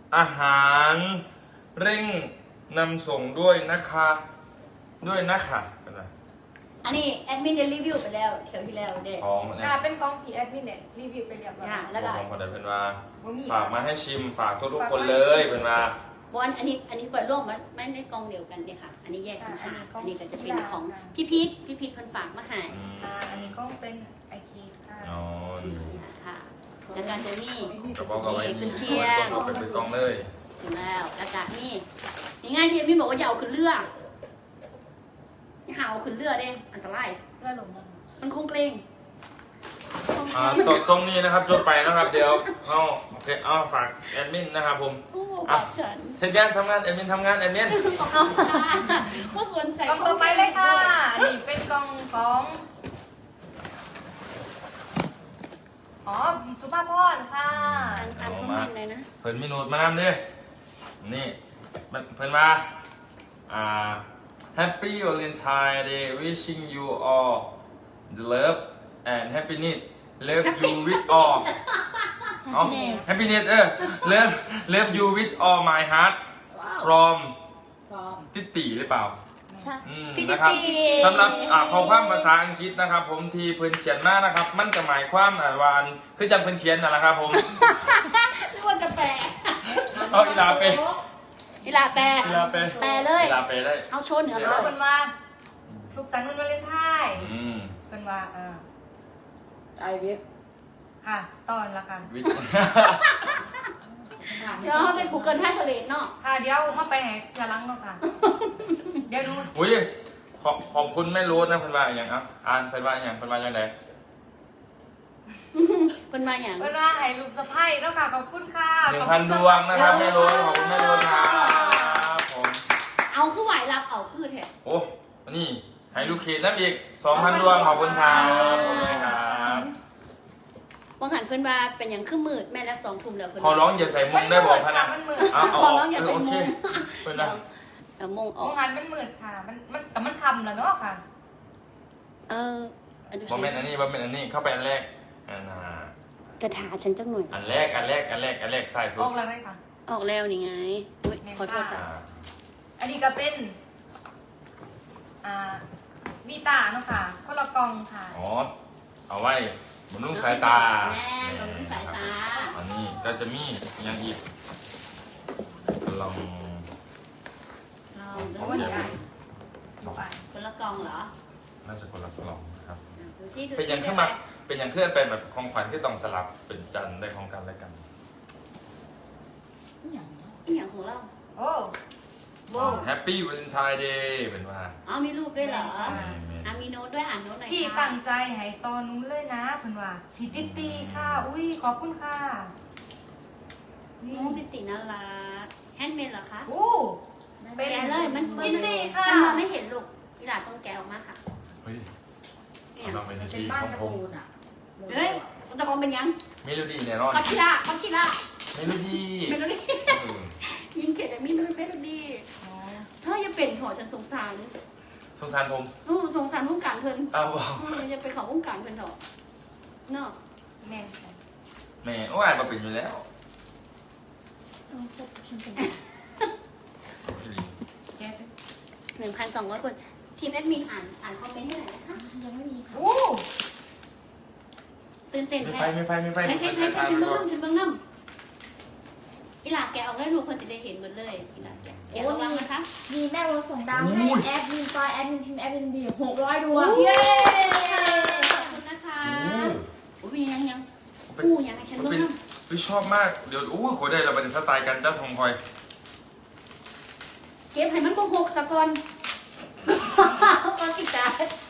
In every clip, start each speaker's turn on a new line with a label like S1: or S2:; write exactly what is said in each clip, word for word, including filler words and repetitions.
S1: อาหารเร่งนำส่งด้วยนะคะด้วยนะคะเป็นไร
S2: อันนี้แอดมินได้รีวิวไปแล้วเที่ยวที่แล้วเด็ก
S1: ของเนี่ย
S3: ค่ะเป็นกล้องพีแอดมินเนี่ยรีวิวไปเรียบร้อย
S2: ค่ะ แล้วก็
S1: ของคนใดเป็นว่า
S3: บ่มี
S1: ฝากมาให้ชิมฝากทุกๆคนเลยเป็นว่า
S2: บอลอันนี้อันนี้เปิดร่วมมันไม่ได้กองเดียวกันเนี่ยค่ะ อันนี้แยกกันค่ะอันนี้ก็จะเป็นของพี่พีทพี่พีทคนฝากมาให้
S1: อืม
S3: ค่ะอันนี้ก็เป็นไอคีค่ะ
S1: อ๋อดี
S2: นะคะแล้วก็จะมี
S1: กระบอกเอาไว้
S2: กุ
S1: นี่
S2: นเชียง
S1: ต้องเป็นเป็นซองเลย
S2: ถึงแล้วแล้วก็มีนี่ง่ายที่พี่บอกว่าอย่าเอาขึ้นเรืออย่าเอาขึ้นเรือเด้อันตราย
S3: เพื่อหลง
S2: มันคงเกรง
S1: อ่าตรงตรงนี้นะครับจบไปนะครับเดี๋ยวเอาโอเคเอาฝากแอดมินนะครับผม
S2: โอ้บอกฉัน
S1: เทศงานทำงานแอดมินทำงานแอดมิน
S2: เอาว่าสนใจ
S3: กล้องต่อไปเลยค่ะอันนี้เป็นกล้องของอ๋อพี่สุภาพรค่ะ
S2: อ่านอ่านคอมเมนต์เลยนะ
S1: เพิ่นมีโน้ตมานำเด้อนี่มันเพิ่นมาอ่า Happy Valentine Day wishing you all the love and happiness love you with all อ๋อ happiness เออ love love you with all my heart from ติติหรือเปล่า
S2: ใช่
S1: อืม
S2: พี่
S1: นะครับ
S2: ติ
S1: สำหรับอ่าข้อความภาษาอังกฤษนะครับ ผมที่เพิ่นเขียนมานะครับ มันจะหมายความอ่าวาอันคือจังเพิ่นเขียนนั่นแหละครับผม
S2: ไม่ว่าจะแปล
S1: เอาอีลาเป
S2: อีลาแปล
S1: อีลาเป
S2: แปลเลย
S1: อีลาเปได้
S2: เอาโชว์เหนือ
S3: แล้
S2: เล
S3: วย เป็นว่าสุขสันต์วันวาเลนไทน์
S1: อืม
S3: เป็นว่าเออ
S4: ไอเว็บ
S3: ค่ะตอนละค่ะ
S1: วิท
S2: เดี๋ยวเขาใส่ Google Translate เนาะ
S3: ค่ะเดี๋ยวมาไปไหนจะล้างเนาะค่ะ เดี๋ยวดู
S1: อุ้ยขอบขอบคุณแม่รู้นะเพิ่นว่าอย่างอ่ะอ่านเพิ่นว่าอย่างเพิ่นว่าอย่างไร
S2: เป็นมาอย่าง
S3: เป็นว่าให้ลูกสะใภ้เนาะค่ะขอบคุณค่ะ
S1: หนึ่งพันดวงนะครับแม่รู้ขอบคุณแม่รู้ครับผม
S2: เอาคือไหวรับเอาคือแท้
S1: โอ้นี่ให้ลูกเขตน้ำอีกสองพันดวงขอบคุณครับขอบคุณครับ
S2: บางหันเพื่อนว่าเป็นอย่างคือมืดแม่และสองทุ่มแล้วเพื่อน
S1: ขอร้องอย่าใส่มุมได้บอกพะนะ
S3: มันมืด
S1: เอาเอา
S2: ขอร้องอย่าใส่
S1: โอ
S2: มุ
S1: เค
S2: ง
S1: เพิ่น
S2: เดี๋ย
S1: นะ
S2: วเดี๋ยวมงอ
S3: โร
S2: อก
S3: งงานมันมืดค่ะ มันมันแต่มันคำแล้วเนาะค่ะ
S2: เอออันดู
S1: บอมเมนอันนี้บอมเมนอันนี้เข้าไปอันแรกอันน่ะ
S2: กระถาฉันจังหน่อย
S1: อันแรกอันแรกอันแรกอันแรกใส่สุ
S3: อ
S1: ด
S3: อกแล้วไหมคะ
S2: ออกแล้วนี่ไงอุ๊ยขอโทษ
S1: อ่า
S2: ค่ะ
S3: อันนี้ก็เป็น อ่าวีตาเนาะค่ะคนละกล่องค่ะ
S1: อ๋อเอาไว้บำรุงสายตา
S2: แม่บำรุงสายตา
S1: อันนี้ก็จะมีอย่างอีกลอง
S2: เรา
S3: เพราะว่า
S2: เดี๋
S3: เดี๋
S2: ย
S3: ยว วอ่านบอกอ่าน
S2: คนละกล่องเหรอ
S1: น่าจะคนละกล่องนะครับ
S2: ดูที่ดู
S1: เป็นอย่างขึ้นมาเป็นอย่างเคลื่อนเป็นแบบของขวัญที่ต้องสลับเป็นจันได้ของกันและกัน
S2: นี่อย่างของเรา
S3: โอ้โบ
S1: แฮปปี้วาเลนไทน์เดย์เป็นว่า
S2: อ๋อมีรูปด้วยเหรอ
S3: ค่ะ
S2: อ่ะมีโน้ตด้วยอ่านโน้ตหน่อย
S3: พี่
S2: ค่ะ
S3: ตั้งใจให้ตอนนู้นเลยนะเพิ่นว่าพี่ติตีค่ะ อุ้ยขอบคุณค่ะ นี่
S2: โน้ตติติน่ารักแฮนด์เมดเหรอคะ
S3: อู้
S2: แกะเลยมัน
S3: ติตีค่ะ
S2: มันมองไม่เห็นลูกอีหลาต้องแกะออกมาค่ะ
S1: เฮ้ย
S2: เนี่ย
S1: ลองเป็น
S4: เป็น
S1: ที่
S4: บ้าน
S1: ของ
S4: การ์
S1: ผม
S4: ตูนอ่ะ
S2: เฮ้ยตะกองเป็นยัง
S1: เมโลดี้แน่นอน
S2: กอชิล่ากอชิล่า
S1: เมโลดี้
S2: เมโลดี้
S1: เออ
S2: ยิงเขตแต่มีเมโลดี้
S3: อ๋อ
S2: ถ้าอย่าเป็นหอฉันสงสาร
S1: สงสารผม
S2: โอ้สงสารวงการเพิ่น
S1: อ้าวบอก
S2: เอออย่าไปเขอวงการเพิ่นเถอะเนาะ
S3: แม่นค่ะ
S1: แหม่โอ้อ่านมาเป็นอยู่แล้ว
S3: แกะ
S2: หนึ่งพันสองร้อยคนทีมแอดมินอ่านอ่านคอมเมนต์ได้ไหนนะคะ
S4: ยังไม่มีค่ะ
S3: อู้
S2: ตื่นเต้น
S1: ไม่
S2: แท้
S1: ไฟไม่ไฟไม่ไฟ
S2: ใช่ใช่ใช่ใช่ฉัน
S1: ไป
S2: เบิ้ง
S1: ก่อน
S2: น้ำฉันเบิ้งน้ำอีหลาแกะออกได้ดูคนจะได้เห็นหมดเลยอีหลาแกะแกะระวังนะคะ
S4: มีแม่รถส่งดาวให้แอดมินปอยแอดมินพิมพ์แอดมินบีหกร้อยดวง
S2: เย้ขอบคุณนะคะ
S1: โอ้
S2: โอ้ยยังยัง
S1: เป็น
S2: อู้ยังให้ฉันเบิ้ง
S1: เป็น
S2: น้
S1: เฮ้ยชอบมากเดี๋ยวอู้โคได้เราเป็นสไตล์การเจ้าทองคอย
S2: ำเก็บให้มันโกหกสะก่อนก่อนติดตา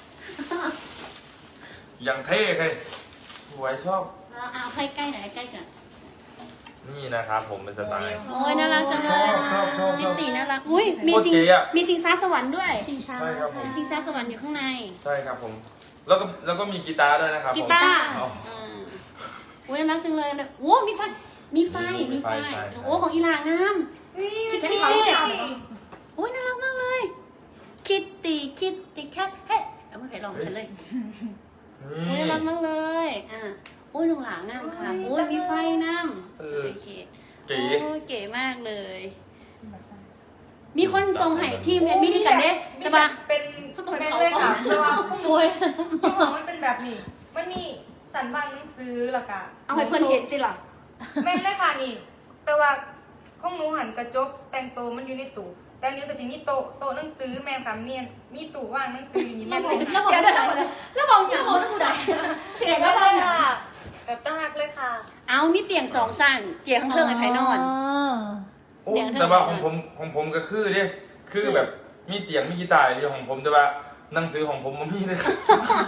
S1: อย่างเท่เลยสวยชอบ
S2: เอาใกล้ใกล้หน่อยใกล้กัน
S1: นี่นะครับผมเป็นสไตล์
S2: โอ้ยน่ารักจังเลย
S1: ชอบชอบช
S2: ติ
S1: อบ
S2: ติน่ารักอุ้ยมี
S1: โคตร
S2: สิง
S1: เก๋อะ
S2: มีสิงซาสวรรค์ด้วย
S4: ชิงช้า
S1: ใช่ครับผม
S2: มีสิงซาสวรรค์อยู่ข้างใน
S1: ใช่ครับผม แล้วก็แล้วก็มีกีตาร์ด้วยนะครับผม
S2: กีตาร์
S1: อ๋อ
S2: อืมโอ้ยน่ารักจังเลยนะโอ้มีไฟ มีไฟ มีไฟ
S1: มีไฟใช่
S2: โอ้ของอีหลางาม
S3: อุ้ย
S2: คิต
S3: ฉัน
S2: ตี้
S3: ขอถาม
S2: โอ้ยน่ารักมากเลย คิตตี้คิตตี้แคทเฮ้ยเอาไม่ไปลองฉันเลย โอ้ยน่ารักมากเลย อ่ะโอ้ยลุงหลางามค่ะโอ้ยมีไฟน้ำ
S1: เออ
S2: โอเค
S1: เก๋
S2: โอ้ยเก๋มากเลย มีคนส่งให้ทีมแอดมินนี่กันเด้แต่ว่า
S3: เป็น
S2: เขาต้องไป
S3: แม่น
S2: เผา
S3: เลย
S2: ก่อ
S3: ค่ะ
S2: น
S3: เพราะว่า
S2: โอ้ย
S3: ที่ของมันเป็นแบบนี้ มันมีสันบางหนังสือแล้วก็
S2: เอาให้เพื่อนเห็นสิล่ะ
S3: แม่นเลยค่ะนี่ แต่ว่าของหนูหันกระจกแต่งโตวมันอยู่ในตู้แต่อันนี้ก็จะมีโต๊ะโต๊ะหนังสือแม่นค่ะเมียนมีตู้ว่างหนังสืออยู่นี่
S2: แล้
S3: แม่
S2: วน บอก
S3: เลย
S2: แล้ว
S3: ค่ะ
S2: บอกแล้วบอกอย่างเขาต้องพูดอะไรเสียง
S3: แบ
S2: ก็
S3: บ
S2: เล
S3: เลย
S2: ย
S3: ค่ะ แบบตั้งหักเลยค่ะ
S2: เอามีเตียงสองสั่นเตียงข้างเทิงไอ้ไผ่นอน
S1: โอ้
S2: เตียงเท่าไหร่
S1: แต่ว่าของผมของผมก็คือเด้คือแบบมีเตียงมีกีตาร์เดียวของผมแต่ว่าหนังสือของผมมันมีเลยครับ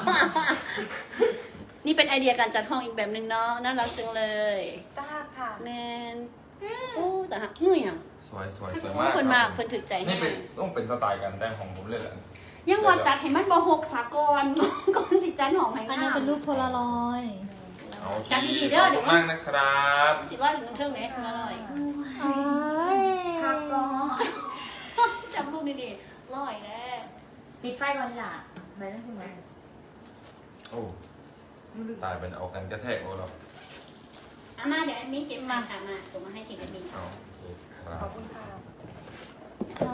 S2: นี่เป็นไอเดียการจัดห้องอีกแบบหนึ่งเนาะน่ารักจังเลย
S3: ตั้งหักค่ะ
S2: แมนโอ้แต่หักเงื่อยอ่ะ
S1: สวยสวยสวย
S2: โอ้
S1: มาก
S2: คนมาก
S1: รับ
S2: คนถึกใจ
S1: นี่
S2: ให้
S1: เป็นต้องเป็นสไตล์การแต่งของผมเลยแหละ
S2: ยังว่าจัดให้มันบอหกสากล ก่อนสิจันหอมให้
S4: อัน
S2: งา
S4: นี้
S2: ม
S4: เป็นรูปโพลารอยด์
S1: เอา
S2: จัดดีๆเด้อเดี๋ยว
S1: ขอบคุณมากนะครับ
S2: สิว่าถึงเทิงเลยคุณอร่อย
S4: เอ้ย
S3: พักก่อน
S2: จำรูปดีๆร่อยแน่
S4: ปิดไฟก่อนดีกว่าไปนั่นสิไหม
S1: โอ้ตายเป็นเอากันกระแทกโอ้เรา
S2: อามาเดี๋ยวแอดมินเก็บมาค่ะมาส่งมาให้ทีมแอดมิน
S1: เอาโอเคครั
S3: ขอบบ คุณค่ะ
S4: ค่ะ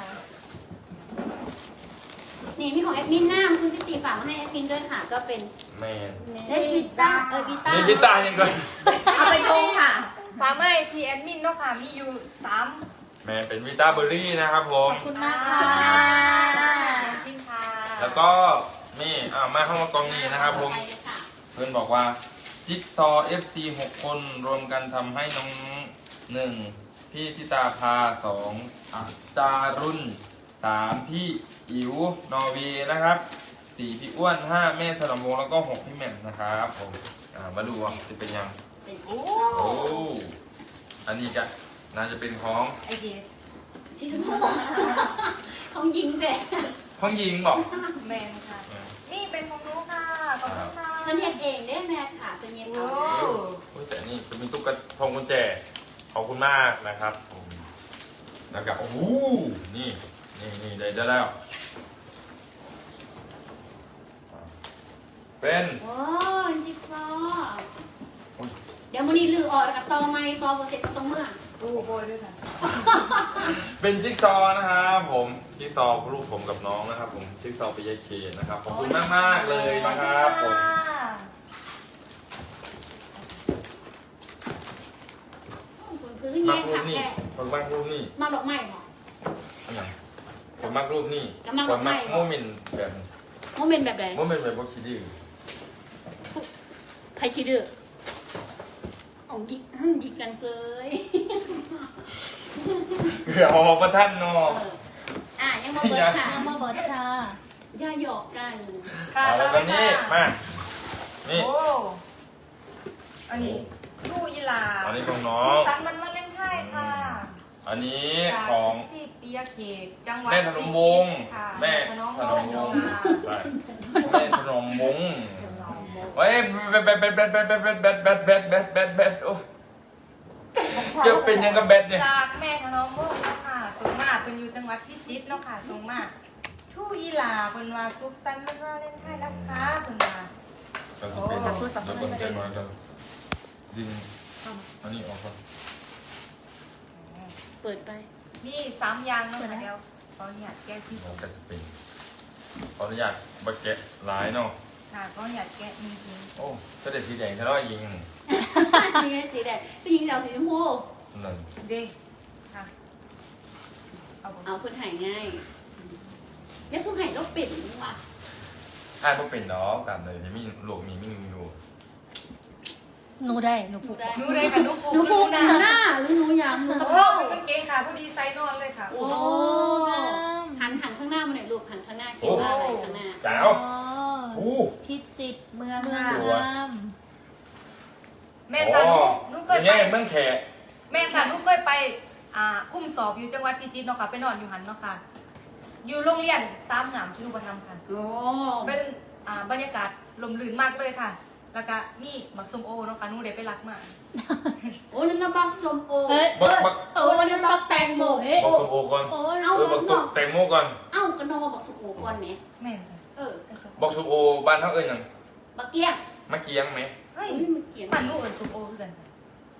S2: นี่มีของแอดมินหน้าคุณพิตีฝากมาให้แอดมินด้วยค่ะ ก็เป็น
S1: แมน
S2: เลสพิต้าเออกีตาร์
S1: มีกีตาร์ยังก่อน
S4: เอาไปชงค่ะ
S3: ฟ้าไหม้พีแอดมินเนาะค่ะ มีอยู่สาม
S1: แมนเป็นวิตาเบอร์รี่นะครับผม
S4: ขอบคุณมากค่ะ
S3: ชิ้นค่ะ
S1: แล้วก็นี่อ่ามาเข้ามากองนี้นะครับผม
S2: ไปเลยค่ะ
S1: เพื่อนบอกว่าจิ๊กซอ เอฟ ซี หก คนรวมกันทำให้น้องหนึ่งพี่ทิตาภาสองอาจารุณสามพี่อิ๋วนอร์เวย์นะครับสี่พี่อ้วนห้าแม่ถนอมวงศ์แล้วก็หกพี่แหม่มนะครับผมอ่ามาดูว่าจะเป็นยัง
S2: เป็น
S3: โอ้
S1: โอ้อันนี้ก็น่าจะเป็นของ
S3: ไอเดีย
S2: สีชมพูของยิงแต่
S1: ของหญิงบอก
S3: แมนค่ะ นี่เป็นของหนูค่ะ ขอบคุณค่ะ
S2: มันเฮ็ดเองได้แม่ค่ะเป็นเย็น
S3: โอ้
S2: เอา
S1: โอ้ยแต่นี่จะมีตุ๊กตาพวงกุญแจขอบคุณมากนะครับผมแล้วก็โอ้โหนี่นี่นี่ได้ได้แล้ว เป็น
S2: โอ้ยจิ๊กซอว์เดี๋ยวมันนี้ลือออกกับตอไม้ตอโปรเจกต์ก็ต้องเมื่อ
S3: โอ้โบยด้วยค่ะ
S1: เป็นจิ๊กซอว์นะครับผมจิ๊กซอว์รูปผมกับน้องนะครับผมจิ๊กซอว์ปิยเคนะครับขอบคุณมากมากๆเลยนะครับผม
S2: คุณคือ
S1: มั
S2: แย่
S1: กรู
S2: ขั
S1: ป
S2: ก
S1: นี่
S2: แก่
S1: ผมมักรูปนี่
S2: มาดอกไม้เหรอ
S1: อันไหนผมมักรูปนี่
S2: แล้วมัก
S1: ผ
S2: รู
S1: ม
S2: ปไหน
S1: มักโมเมนต์แบบนี้
S2: โมเมนต์แบบไหน
S1: โมเมนต์แบบว่าคิดดื้อ
S2: ใครคิดดื้อเอายิกห้ามยิกกันเซย
S1: เกือบออกประท่านเนาะ
S2: เอออ่ะยังมาเบิร์ดค่ะ
S4: เอามาเบิร์ดค่ะ
S2: อย่าหยอกกัน
S3: ค่ะ
S1: เอาแล้วก็นี่มา นี่
S3: โอ้ อันนี้ลูกยีหลา
S1: อันนี้ของน้อง
S3: สันมันมาเล่นไพ่ค่ะ
S1: อันนี้
S3: จาก
S1: ของ
S3: สิปิยเขตจังหวัด
S1: แม่ถนอมวงศ์
S3: ค่ะ
S1: แม่
S3: ถนอม
S1: ถ
S3: วน
S1: อม
S3: ง
S1: วงศ์
S3: ค่ะ
S1: ใช่แม่ถนอมวงศ์เฮ้ยแบดแบดแบดแบดแบดแบดแบดแบดแบดแบดแบดแบดแบดโอ้จะเป็นยังกับแบดเนี่ย
S3: จากแม่ถนอมวงศ์เนาะค่ะส่งมาเป็นอยู่จังหวัดพิจิตรเนาะค่ะส่งมาทู่อีหลาเป็นว่าทุกสันมันมาเล่นไพ่นะคะเป็นว่า
S1: ก็จะเป็นแล้วก็ใจมากันดึงอันนี้ออกก่อน
S2: เปิดไป
S3: นี่สามอยางเนาะค่ะเดียวตอนนี้แกะที่
S1: แล้วก็จะเป็นขออนุญาตบักเก็ตหลายเนาะ
S3: ค่ะก็อยากแกะจริง
S1: โอ้ก็เด็ดสีแดงทะเลาะยิง
S2: ยิงไงสีแดงก็ยิงสีชมพู
S1: นั่น
S3: ๆเด้ค่ะเอาบ่
S2: เอาคนหายง่ายยาสู้หายแล้วปิดนี่ว่ะ
S1: ถ้าพวกเป็นดอกกันเลยยังมีหลวกมีไม่มีอยู่
S4: หนูได้หนู
S2: ดู
S4: พูด
S2: ได้
S3: หนูเลยค่ะหนูปู
S2: หนูพูด
S3: ห
S2: ห
S3: น้า
S2: น้าหรือหนูอยากหนู
S3: โอ้เป็นกางเกงค่ะผู้ดีไซน์นอนเลยค่ะ
S2: โอ้หันหันข้างหน้ามาหน่อยลูกหันข้างหน้าเขียนว่าอะไรข้างหน้า
S1: แจ๋ว
S4: อ๋อ
S1: อู้
S4: พิจิตรเมือง
S3: เมือง
S4: งาม
S3: แม่ค่ะหนูหนูเค
S1: อย ย่าง
S3: ไป
S1: เงี้ยเมืองแขก
S3: แม่ค่ะหนูเคยไปอ่าคุ้มสอบอยู่จังหวัดพิจิตรเนาะค่ะไปนอนอยู่หันเนาะค่ะ อยู่โรงเรียนซ้ำงามชินุปธรรมค่ะ
S2: โอ้
S3: เป็นอ่าบรรยากาศลมลื่นมากเลยค่ะ แล้วก็นี่บักส้มโอเนาะค่ะหนูได้ไปรักมา
S2: โอ้นั่นนะบักสมโอ
S4: เฮ้ย
S1: บักบัก
S4: โอ้นั่นบักแตงโมเฮ้ย
S1: บักสมโอก่อน
S4: โอ้ย
S2: เอา
S1: เออบักตุกแตงโมก่อน
S2: เอ้ากระโนมาบักสุโอก่อนไหม
S3: แม่ค่ะ
S2: เออ
S1: บักสมโอบ้านเท่าเอ้ยยัง
S2: บักเกี้ยง
S1: มะเกียงไหม
S3: เฮ้ย
S2: เฮ้ยมันเกี่ยง
S3: มันหนูเอิญส้มโอคือกันค่ะ
S1: โอ้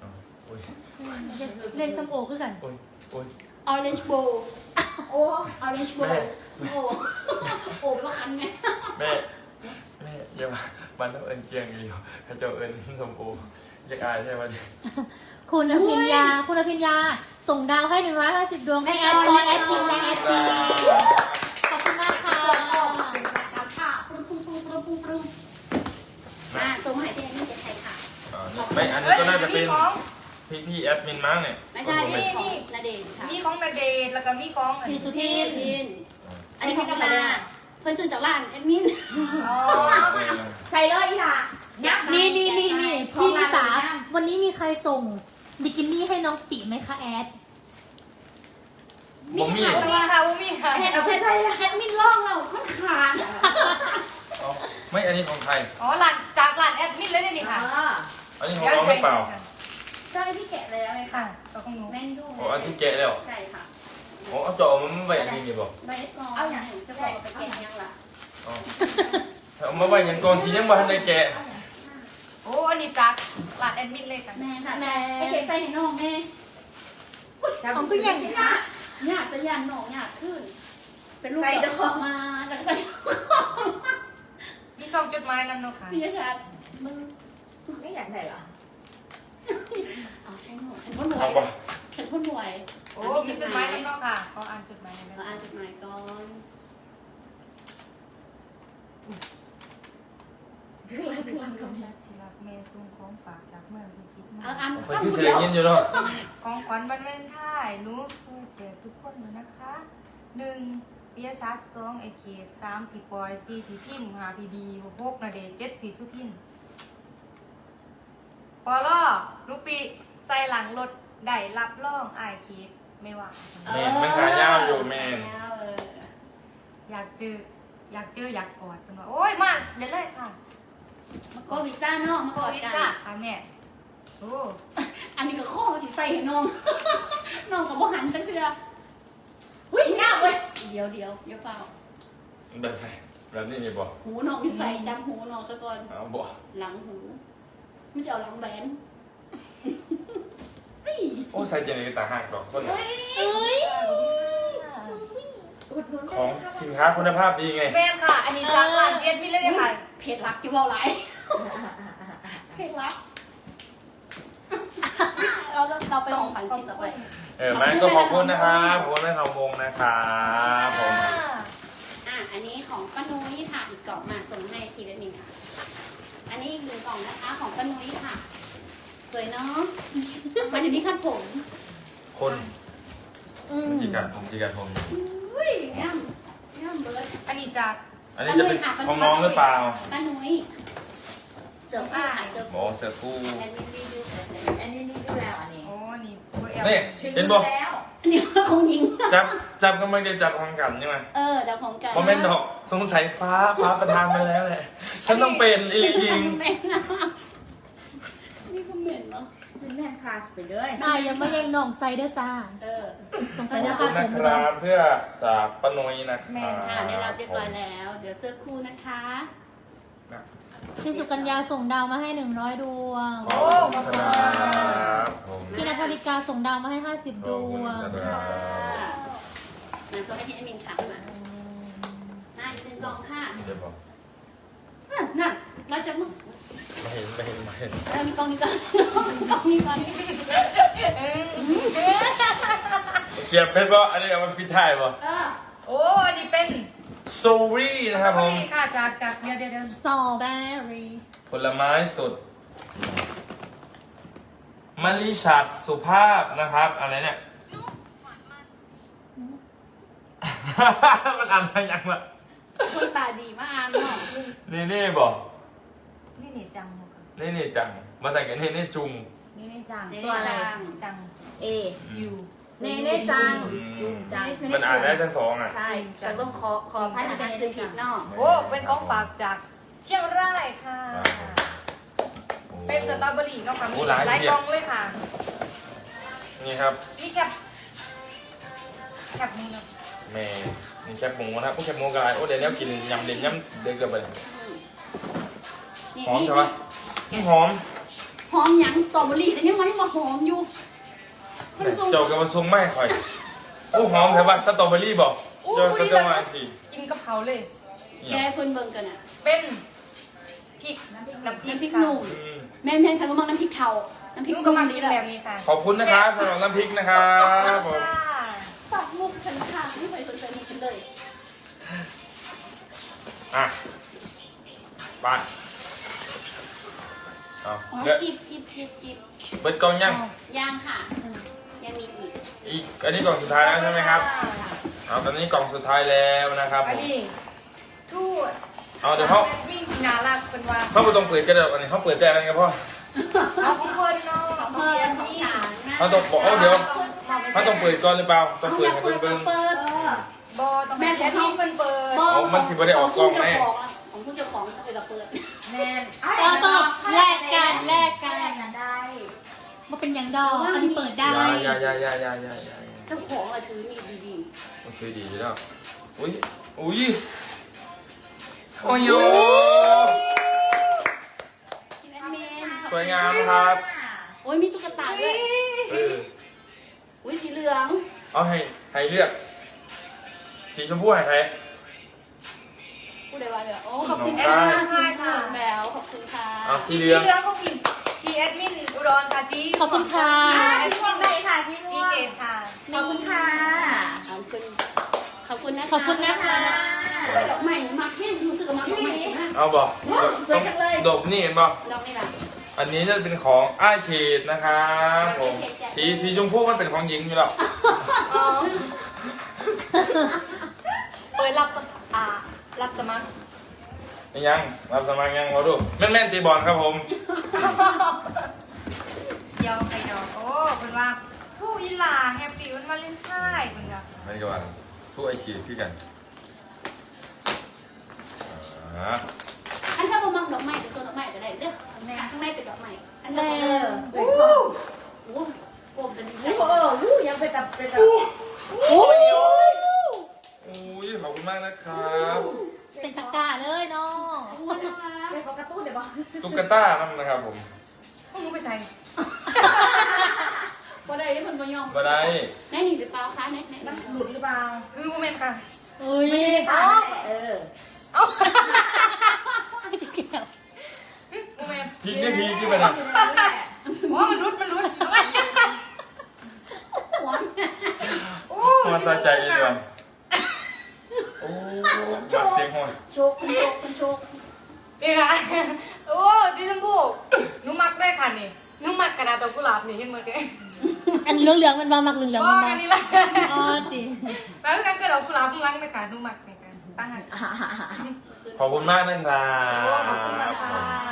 S1: อ้ย
S4: เล่นส้มโอคือกัน
S1: โอ้ยโอ้ย
S2: orange bowl
S4: โอ้
S2: orange bowl
S1: แม่
S2: โอ้โอ้ไปว่าคันไง
S1: แม่แม่อย่ามามันต้องเอินเกียงอยู่ถ้าเจ้าเอินสมโออยากอายใช่ไหม
S4: คุณอภิญญา คุณอภิญญา ส่งดาวให้หนึ่งร้อยห้าสิบดวงให้แอดบอยแอดมินและแอดพีขอบคุณมากค่ะ
S2: สามชาปรุงปรุงปรุงปรุงปรุงปรุงมาส่งมาให้พี่นี่จะใครค่ะ
S1: อ่านี่ไม่อันนี้ก็น่าจะเป็นพี่พี่แอดมินมั้งเนี่ย
S2: ไม่ใช่นี่ของนาเดชน์ค่ะ
S3: มีของนาเดชน์แล้วก็มีของอัน
S4: พี่
S3: นี้
S4: สุ
S2: พี่
S4: ทิน
S2: ลินอันนี้ของธรรมดาเพิ่นซื้อจากร้านแอดมิน
S3: อ๋อ
S4: ใส่เลยอีหล่ะนี่นี่นี่นี่พี่นิสา วันนี้มีใครส่งบิกินี่ให้น้องติไหมคะแอด
S1: ผมมี
S3: บ่มีค่ะบ่มีค่ะ
S2: เห็นเอาไปใส่แอดมินล่องเราค่อนขาด
S1: เอาไม่อันนี้ของใคร
S3: อ๋อร้านจากร้านแอดมินเลยนี่ค่ะ
S1: อันนี้ของน้องหรือเปล่า
S2: ใช่พี่แกะเลยไหม
S3: ค่ะ
S2: คะ
S3: ตัวของหนู
S2: แม่นดู
S1: โอ้อันที่แกะแล้ว
S2: ใช่ค่ะ
S1: โอ้เอาจอมันไม่ไปอันนี้นี่บอก
S2: ใบกองเอาอย่างจะบอกไปแกะยังล่ะ
S1: เอาเอามาไว้อยังก่อนที่ยังบ่ทันได้แกะ
S3: โอ้อันนี้จากร้านแอดมินเลยค่ะ
S2: แม่ค่ะไปแกะใส่ให้น้องแม่
S4: ของพี่อย่าง
S2: หยาดหยาดตะยันน้องหยาดขึ้น เป็นลูกดอกมาแล้วก็ใส่
S3: มีซองจดหมายนำเนาะค่ะ
S2: พี่ยชัด
S4: มึงไม่อยากไหนเหรอ
S2: เอาฉันหน่วยฉันพ่นหน่ว
S1: เอา
S2: ย
S1: บ่
S2: ฉันพ่นหน่วย
S3: โอ้มีจดหมายนำเนาะค่ะขออ่านจดหมายหน่อย
S2: เรา
S3: นะ
S2: อ่านจดหมายก่อน
S3: ที่รักแม่ส่งของฝากจากเมืองพิชิตมา
S2: เอาอ่าน
S1: เพิ่นคือเสียงยินอยู่เนาะ
S3: ของขวัญวันวาเลนไทน์หนูฟูแจกทุกคนเลยนะคะหนึ่งปิยชัดสองไอเกตสามพี่ปอยสี่พี่พิมพ์ห้าพี่บีหกนาเดชน์เจ็ดพี่สุทินปอล่อลูกปีใส่หลังรถได้รับรองไอเคสไม่ว่า
S1: แม่นมันขายาวอยู่แม่น
S2: เออ
S3: อยากเจออยากเจออยากกอดเป็นว่าโอ้ยมาเดี๋ยวเลยค่ะ
S2: มาก็วีซ่าเนาะมา
S3: โค
S2: กอด
S3: วิด
S2: กัน
S3: จ้ะค่ะแม่โอ้
S2: อันนี้ก็ข้อที่ใส่ให้น้อง น้องกับบ่หันจังเถื่อ
S4: หุ้ยง่ายเว้ย
S2: เดี๋ยวเดี๋ยวเดี๋ยวเปล่า
S1: แบบไหนแบบนี้นี่บ่
S2: หูน้องอยู่ใส่จำหูน้องซะก่อน
S1: เอาบ่
S2: หลังหูไม่ใช่เอาหลังแบนเฮ้ย
S1: โอ้ใส่เจนี่ตาหักดอกคน
S2: เอ้ย
S4: อุดหนุน
S1: ของสินค้าคุณภาพดีไง
S3: แม่ค่ะ อันนี้จากร้านเวียดมินเลยเนี่ยค่ะ
S2: เพจรักจะเบาไหลายเพจรัก เราเราไปของขวัญชิ้นต่อไป
S1: เออแม่ก็ขอบคุณนะครับขอบคุณแม่ทองวงนะครับผม
S2: อ่ะ อันนี้ของป้านุ้ยค่ะ อีกกล่องมาส่งให้ทีละหนึ่งค่ะ อันนี้อีกหนึ่งกล่องนะคะ ของป้านุ้ยค่ะ สวยเนาะมาถึงที่ขั้นผม
S1: คน
S4: อืม
S1: จีกันผมจีกันผม
S2: อุ้ยแอมแอมเบิร์ด
S3: อันนี้จาก
S1: อันนี้จะเป็นของน้องหรือเปล่า
S2: ป้านุ้ยเสื้อผ้าค่ะเสื้อ
S1: หมอเสือคู่
S2: แอนมิลี่ดูเสื้อผ้า
S4: อันนี้นี่ดูแล้วอันนี้
S3: โอ้นี่เบอร์แอล
S1: นี่เห็นบ่
S4: แล้ว
S2: อันนี้ของหญิง
S1: จับจับก็ไม่ได้จับของกันใช่ไหม
S2: เออเดี๋ยวของกัน
S1: โมเมนต์ดอกสงสัยฟ้าฟ้าประทานมาแล้วแหละฉันต้องเป็นอีลิยิง
S2: เป็นนะนี่ก็เหม็นเนาะ
S4: เป็นแม่คลาสไปเลย
S5: นายยังไม่ยังน้องไซเดอร์จ้า
S2: เออ
S5: สงสั
S1: ข
S5: ย
S1: อบ
S5: จะ
S1: คุ
S5: พา
S1: ณ
S5: ผม
S1: นะครับ เสื้อจากป้านุ้ยนะค
S3: แม่
S1: รับ
S2: ค่ะได้รับเรียบร้อยแล้ว เดี๋ยวเสื้อคู่นะคะ
S5: พี่สุกัญญาส่งดาวมาให้หนึ่งร้อยดวง
S1: ขอบคุณครับผม
S5: พี่นภริกาส่งดาวมาให้ห้าสิบ
S1: ข
S5: ด
S1: อบคุณ
S5: วง
S1: ครับ
S2: มาโซให้ที่แอดมินค่ะมาหน้าอีกหนึ่งกล่องค่ะ
S1: เดี๋ยวบอก
S2: นั่นนั่นมาจากมึง
S1: ไม่เห็นไม่เห็นไม่เห็น
S2: เริ่มกล่องนี้ก่อนกล่องนี้ก่อน
S1: เก็บเป็นบ่อันนี้เอามาพิดท้ายบ่
S2: เออ
S3: โอ้อันนี้เป็น
S1: โซรี่นะครับผม
S3: นี่ค่ะจากจากเดี๋ยวเดี๋ยวเดี๋ยว
S5: สตรอเบอรี่
S1: ผลไม้สดมะลิฉัดสุภาพนะครับ อะไรเนี่ย มันอ่านอะไรยังล่ะ
S2: คนตาดีมาอ่านเนาะ
S1: นี่นี่บอก
S3: นี่นี่จังหมดค่ะ
S1: นี่นี่จัง มาใส่กันนี่นี่จุง
S4: นี่ไม่จัง
S2: เดี๋ยว
S4: ตัวอะไร
S2: จัง
S3: จัง
S4: เอ
S3: ยู
S4: เน่เน่จัง
S1: อืม
S4: จุงจัง
S1: มันอ่านได้ทั้งสองอ่ะ
S2: ใช่แต่ต้องขอขอพายในการซื้อผิดเนาะ
S3: โอ้เป็นของฝากจากเชียงรายค่ะ เป็นสตรอเบอรี่เนาะค่ะมี
S1: โอ้หลาย
S3: หลาย
S1: เทีย
S3: ก
S1: บ
S3: ล่องเลยค่ะ
S1: นี่ครับ
S3: นี่แคบแคบนี่เนาะ
S1: แม่นี่แคบหมูนะครับพวกแคบหมูกันอะไรโอ้เดี๋ยวนี้กินยำเด่นยำเด็กเกินไป
S2: นี่
S1: หอม
S2: นี่
S1: ใช่ปะหอม
S2: หอมหยังสตรอเบอรี่แต่ยังไม่มาหอมอยู่มันทรง
S1: เจ้าก็มาส่งไม่ค่อยโอ้หอมแต่ว่าสตรอเบอรี่บอกเจ้าก็จะมาสิ
S3: กินกับเขาเลย
S2: แกเพิ่นเบิ่งกันอ่ะ
S3: เป็นพริกน้ำพริก
S2: น้ำพริกหนุ่มแม่แม่ฉันว่ามักน้ำพริกเทาน้ำพริก
S3: นุ่
S2: ห
S3: ก็
S2: นุ่ม
S3: มา
S2: นี่
S3: กิน
S2: แห
S3: แบ
S2: ละ
S3: บนี้ค่ะ
S1: ขอบคุณนะครับสำหรับน้ำพริกนะครับผม
S2: ปักมุกฉันค่ะไม่เคยสนใจนี่ฉันเลย
S1: อ่ะไปเอา
S2: อ๋อ
S1: เดี๋ยว
S2: กิบกิบกิบกิบ
S1: เบิดกล่องยัง
S2: ย่างค่ะยังมีอีก
S1: อีกอันนี้กล่องสุดท้ายแล้วใช่ไหมครับเอาตอนนี้กล่องสุดท้ายแล้วนะครับผ
S3: อัน
S1: ม
S3: นี้ทูด
S1: เอาเดี๋ยวเขา
S3: วิ่งนาลักเป็นว่า
S1: เขาไม่ต้องเปิดกันเดี๋ยวอันนี้เขาเปิดแต่อะไรกันพ่อ
S3: เอาของคนเนาะ
S2: เพิ่มของฉันนะ
S1: เขาต้องบอกเอาเดี๋ยวเขาต้องเปิดก่อนหรือเปล่าต้องเปิด
S2: อยาก
S1: ให้
S2: เปิ
S1: เบิ่
S2: ด
S1: ง
S2: เปิด
S3: บอต้องแม่ใช้พี่เป็นเปิด
S1: เอามันสิบ่ได้ออกกล้องแน่
S2: ของคุณเจ้าของเปิดกับเปิด
S3: แน่น
S4: เปิดเปิดแลกกันแลกกัน
S5: ได้
S4: มาเป็นอย่างดอกอันนี้เปิดได้
S1: อยาอยาอยาอยาอยาอยา
S2: เจ้าของอะถือมีดี
S1: โอเคดีแล้วอุ้ยอุ้ยโอ้ยโย
S2: ๆที่แอดมิน
S1: สวยงามครับ
S2: โอ้ยมีตุ๊กตาด้วย
S1: เออ
S2: อุ้ยสีเหลือง
S1: เอาให้ให้เลือกสีชมพูให้ใคร
S2: พูดได้ว่าเดี๋ยวโอ้ขอบคุณ
S1: น้
S2: แอ
S1: อง
S2: ด
S1: ได้
S2: มินสีเหลืองแล้วขอบคุณค่ะ
S1: เอาสี
S3: สี
S1: เห
S3: เห
S1: ลือง
S3: ลืองก็มีพีแอดมินอุดรค่ะสี
S4: ขอบคุณค่ะ
S5: สีม่วงได้ค่ะสี
S3: สี
S5: ม่วง
S3: เกตค่ะ
S5: ขอบคุณค่ะ
S2: ขอบคุณขอบคุณนะคะ
S4: ขอบคุณนะคะ
S2: โอ้ยดอกไม้มาที่รู้สึกว่ามาดอกไม้มาก
S1: เอาบอก
S5: สวยจังเลย
S1: ดอกนี่เห็นบอก
S2: ดอกนี่แหละ
S1: อันนี้จะเป็นของอ้ายเขตนะครับผมสีสีชมพูมันเป็นของหญิงอยู่แล้ว
S3: เปิดรับสมัครอ่ารับสมัคร
S1: นี่ยังรับสมัครยังเราดูแม่นแม่นตีบอลครับผม
S3: เดียวไปเดียวโอ้เป็นว่าผู้อีหลาแฮปปี้วันวาเลนไทน์เป็นว่า
S1: อันนี้ก็ว่าผู้ไอ้เขตที่กันอ่า
S2: อันถ้าเรามักดอกไม้เป็นโซนดอกไม้ก็ได้เด้อข้างในเป็นดอกไม้อัน
S4: แล้
S2: นี้
S4: ว
S2: โอ้โหโอ้โหโอ้เป็นใจ
S5: โอ้โหยังเป็นแบบเป็นแบบ
S1: โอ้ยโอ้ยขอบคุณมากนะครับ
S4: เป็นตะกร้าเลยเนาะ
S5: เป็นของกระตุ้นเดี๋ยวบอก
S1: ตุ๊กตานั่นนะครับผม
S3: พวกมึงไปใส่
S2: บ่ได้ที่มันบ่ยอม
S1: มาได้
S2: ไหนนี่หรือเปล่าคะไหนไหน
S5: มันหลุดหรือเปล่า
S3: คือโมเมนต์ค่ะ
S4: เอ้ย
S5: อ๋อเออ
S4: ไม่จะเกี่ยว
S3: โมเมนต์
S1: พีกนี่พีกที่มันอ่ะ
S3: โอ้มันรุดมันรุด
S2: หัว
S3: โอ้
S1: มาสะใจเลยดีกว่าโอ้มาเสียงหัว
S2: โชคคุณโชคคุณโชค
S3: นี่ค่ะโอ้ดิฉันพูดหนูมักได้ค่ะนี่หนูมักกระดาษดอกกุหลาบนี่เห็นไหมแก
S4: อันเหลืองๆมันมามักเหลืองๆ
S3: บอ
S4: มัน
S3: ก
S4: มา
S3: อันนี้ละ
S4: อ๋อติ
S3: แล้วกันกระดาษกุหลาบมึงรังไหมคะหนูมักไหมคะตั้งหัน
S1: ขอบคุณมากนะครั
S3: โอ้ขอบคุณมา
S1: บ
S3: กค่ะ